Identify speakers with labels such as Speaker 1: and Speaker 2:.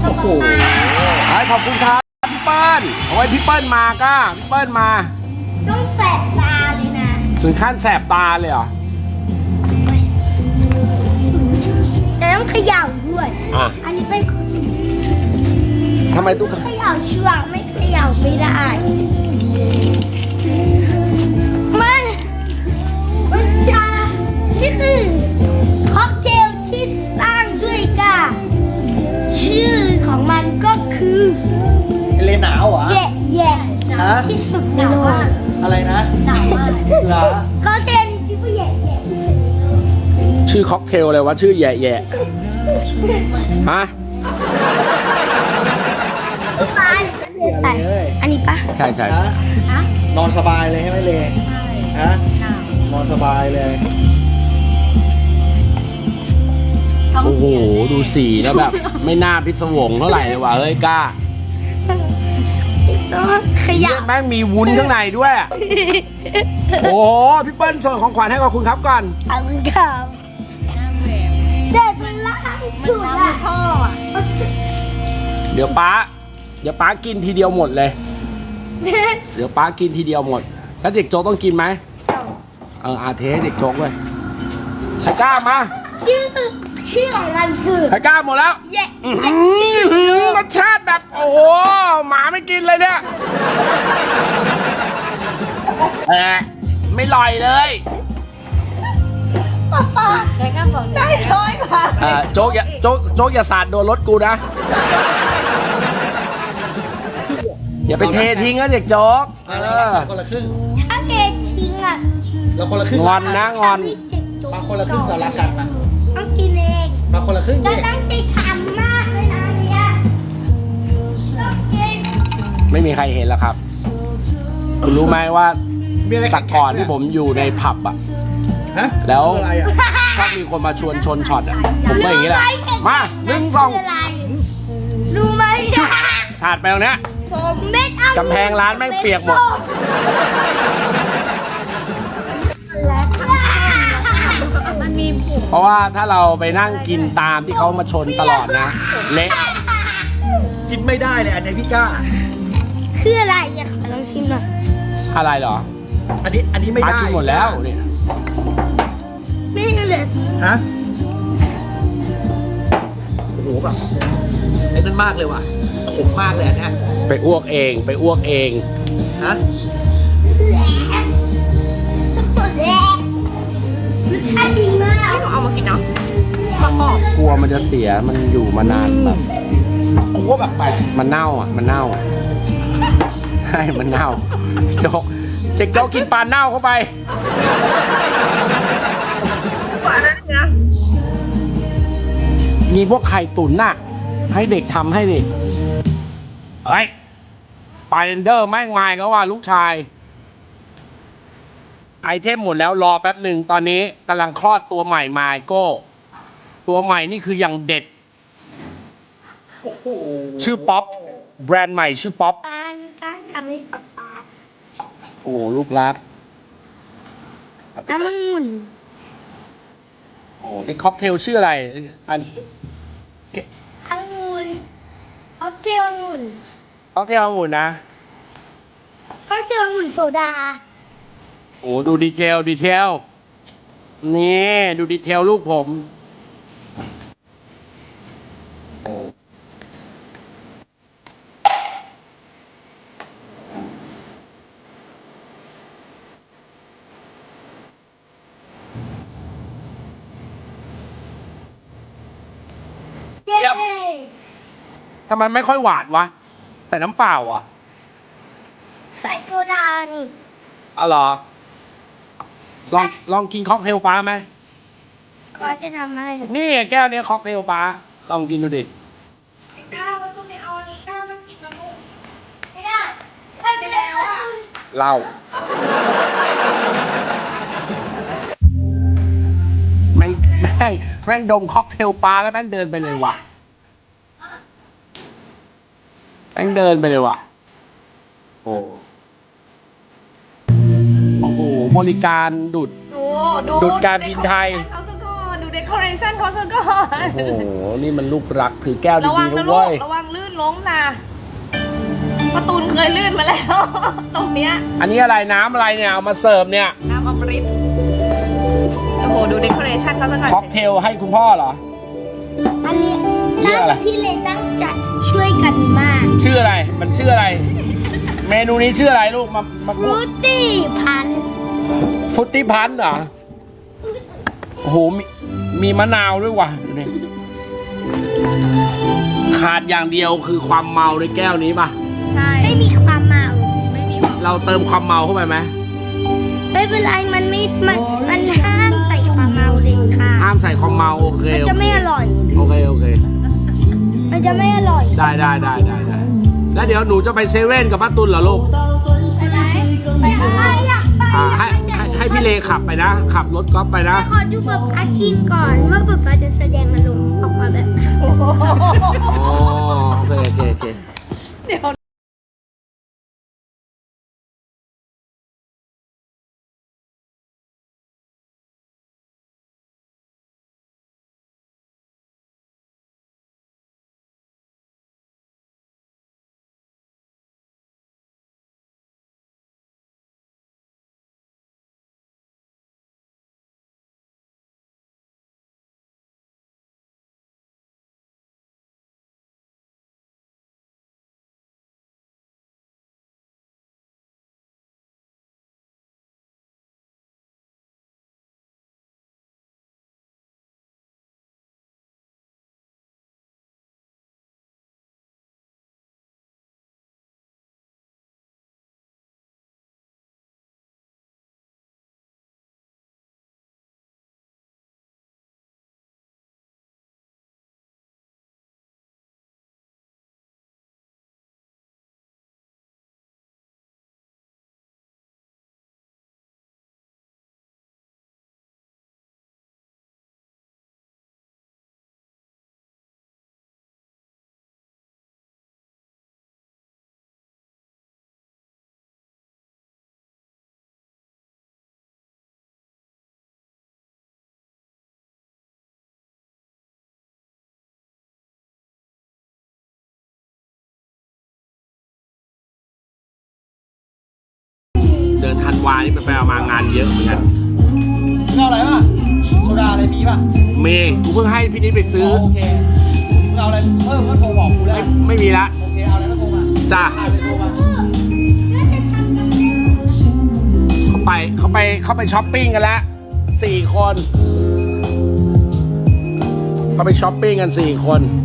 Speaker 1: โอ้โหขอบคุณครับพี่เปิ้ลเอาไว้พี่เปิ้ลมาก็พี่เปิ้ลมา
Speaker 2: ต้องแสบตาเลยนะ
Speaker 1: ถึงขั้นแสบตาเลยเหรอ
Speaker 2: แต่ต้องเขย่าด้วยอันนี้เป็น
Speaker 1: ทำไมตุ๊ก
Speaker 2: เขย่าเชือกไม่เขย่าไม่ได้มันจะนี่คือค็อกเทลที่สร้างด้วยกาชื่อของมันก็คือ
Speaker 3: เลหนาวเหรอ
Speaker 2: แย่ที่สุดในโลก
Speaker 3: อะไรนะ
Speaker 2: หนาวมาก
Speaker 3: เหรอ
Speaker 2: ค็อกเทลนี้ชื่อว่าแย่
Speaker 1: ชื่อค็อกเทลอะไรวะชื่อแย่แย่ฮะ
Speaker 2: อันนี้ปะ
Speaker 1: ใช่
Speaker 3: นอนสบายเลยใช่ไหมเลฮะนอนสบายเลย
Speaker 1: โอ้โหดูสีแล้วแบบไม่น่าพิศวงเท่าไหร่เลยว่ะเฮ้ยกล้า
Speaker 2: ขยับ
Speaker 1: แม่งมีวุ้นข้างในด้วยโอ้โหพี่เปิ้ลส่งของขวัญให้ขอบคุณครับก่อน
Speaker 2: ขอบคุณครับเด็กมันรักสุดอะพ่อ
Speaker 1: เดี๋ยวป้ากินทีเดียวหมดเลยเดี๋ยวป้ากินทีเดียวหมดแล้วเด็กโจ๊กต้องกินไหมอาเทเด็กโจ๊กเลยไข่ก้ามา
Speaker 2: ชื่อของมันคือ
Speaker 1: ไข่ก้าหมดแล้วรสชาติแบบโอ้โหหมาไม่กินเลยเนี่ยไม่ลอยเลย
Speaker 2: แต่ก็บอกได้ร้อยกว่า
Speaker 1: โจ๊กอย่าสาดโดนรถกูนะอย่าไปเททิ้งนะเด็กโจ๊ก
Speaker 3: คนละครึ่ง
Speaker 2: ถ้าเททิ้งอ่ะ
Speaker 3: เราคนละครึ่ง
Speaker 1: งอนนะงอน
Speaker 3: มาคนละครึ่งเรารักกัน
Speaker 2: ต้องกินเอง
Speaker 3: มาคนละครึ่ง
Speaker 2: ก็ตั้งใจทำมากเลยนะเนี่ยต้องกิน
Speaker 1: ไม่มีใครเห็นแล้วครับคุณรู้ไหมว่าแต่ก่อนที่ผมอยู่ในผับอะแล้วชอบมีคนมาชวนชนช็อตอะผมก็อย่างนี้แหละมา1 2
Speaker 2: รู้ไหม
Speaker 1: สาดไปตรงเนี้ย
Speaker 2: ผมเม็ด
Speaker 1: กำแพงร้านแม่งเปียกหมด
Speaker 2: มันมี
Speaker 1: เพราะว่าถ้าเราไปนั่งกินตามที่เขามาชนตลอดนะเละ
Speaker 3: กินไม่ได้เลยอันนี้พี่ก้า
Speaker 2: คืออะไรอยากลองชิมหน่อย
Speaker 1: อะไรเหรอ
Speaker 3: อันนี้ไม่ได้
Speaker 1: กินหมดแล้วเนี่ย
Speaker 2: ไม่เลย
Speaker 3: ฮะโอ้โหแบบไอ้นั่นมากเลยว่ะขมมากเลยอันนี้
Speaker 1: ไปอ้วกเอง
Speaker 3: ฮะ
Speaker 2: ใช่ดีมากเอามากินเนาะ
Speaker 1: กลัวมันจะเสียมันอยู่มานานแบบ
Speaker 3: กูก็แบบไป
Speaker 1: มันเน่าใช่มันเน่าโจ๊กกินปลาเน่าเข้าไปมีพวกไข่ตุ๋นน่ะให้เด็กทำให้ดิเฮ้ยปาเรนเดอร์แม่งมาแล้วว่าลูกชายไอเทมหมดแล้วรอแป๊บหนึ่งตอนนี้กำลังคลอดตัวใหม่มาโก้ตัวใหม่นี่คืออย่างเด็ดชื่อป๊อปแบรนด์ใหม่ชื่อป๊อป
Speaker 2: ทำให้
Speaker 1: โอ้ลูกรัก
Speaker 2: น้ำมัน
Speaker 1: โอ้ไอค็อกเทลชื่ออะไรอัน
Speaker 2: องุ่นค็อกเทลองุ่น
Speaker 1: ค็อกเทลองุ่นนะ
Speaker 2: ค็อกเทลองุ่นโซดา
Speaker 1: โอ้ดูดีเทลนี่ดูดีเทลลูกผมทำไมไม่ค่อยหวานวะใส่น้ำเปล่าอ่ะ
Speaker 2: ใส่โซดานี่
Speaker 1: อ๋อเหรอลองกินค็อกเทลฟ้าไหม
Speaker 2: ก็จะทำให้
Speaker 1: นี่แก้วนี้ค็อกเทลฟ้าลองกินดูดิ
Speaker 2: ข้าวต้องไม่เอาข้าวต้องกินกับลูกไม่ได้ไม่ไปแล้วอ่ะ
Speaker 1: เหล้าแม่งดมค็อกเทลปลาแล้วแม่งเดินไปเลยว่ะแม่งเดินไปเลยว่ะโอ้โหบริการดุดการบินไทย
Speaker 2: เขาสักก่อนดู
Speaker 4: เดคอเรชั่นเขาซะก่อน
Speaker 1: โอ้โห นี่มันลูกรักถือแก้ว
Speaker 4: ระวั
Speaker 1: ดี
Speaker 4: ง
Speaker 1: ๆ
Speaker 4: นะ
Speaker 1: นะ
Speaker 4: ลู
Speaker 1: เว้
Speaker 4: ก
Speaker 1: ย
Speaker 4: ระวังลื่นล้มนะประตูนเคยลื่นมาแล้ว ตรงเนี้ย
Speaker 1: อันนี้อะไรน้ำอะไรเนี่ย เอามาเสิร์ฟเนี่ย
Speaker 4: น้ำอมฤตโอ้โหดูเดคอเรชั่นเขาซะก่อน
Speaker 1: ค็อกเทลให้คุณพ่อเหรอ
Speaker 2: อันนี้
Speaker 1: เรียกอะไร
Speaker 2: พี่เลยตั้งใจช่วยกันมาก
Speaker 1: ชื่ออะไร มันชื่ออะไร เมนูนี้ชื่ออะไรลูก มา
Speaker 2: ฟ
Speaker 1: พู
Speaker 2: รุ
Speaker 1: ด
Speaker 2: ตตี้พันธุ์
Speaker 1: ฟุตตี้พันธุ์เหรอ โอ้โห มีมะนาวด้วยว่ะดูนี่ขาดอย่างเดียวคือความเมาในแก้วนี้ป่ะ
Speaker 4: ใช่
Speaker 2: ไม่มีความเมา
Speaker 4: ไม่มีความ
Speaker 1: เราเติมความเมาเข้าไปไหม
Speaker 2: ไม่เป็นไรมันห้ามใส่ความเมาเด็ดขาด
Speaker 1: ห้ามใส่ความเมาโอเค
Speaker 2: มัน
Speaker 1: โอ
Speaker 2: จะ
Speaker 1: เค
Speaker 2: ไม่อร่อย
Speaker 1: โอเคโอเค
Speaker 2: มันจะไม่อร่อย
Speaker 1: ได้แล้วเดี๋ยวหนูจะไปเซเว่นกับป้าตุลเหรอลูก
Speaker 2: ไปอะไรอยากไป
Speaker 1: ให้พี่เลขับไปนะ ขับรถกอล์ฟไปนะ
Speaker 2: ขอดูแบบอากินก่อนว่าแบบจะแสดงอารมณ์ออกมาแบบไหน
Speaker 1: อ๋อโอเค
Speaker 4: เดี๋ยว
Speaker 1: เดือนธันวานี่ไปเอามางานเยอะเหมือนกัน
Speaker 3: เอาอะไรป่ะโซดาอะไรมีป่ะ
Speaker 1: เมย์กูเพิ่งให้พี่นิดไปซื้อ
Speaker 3: โอเคเอาอะไรเพิ่มก็โทรบอกกูได้
Speaker 1: ไม่มีละ
Speaker 3: โอเคเอาอะไรก็โทรมา
Speaker 1: จ้า
Speaker 3: เอาเลยโทรมา
Speaker 1: เขาไปช้อปปิ้งกันแล้ว4 คนเขาไปช้อปปิ้งกัน4 คน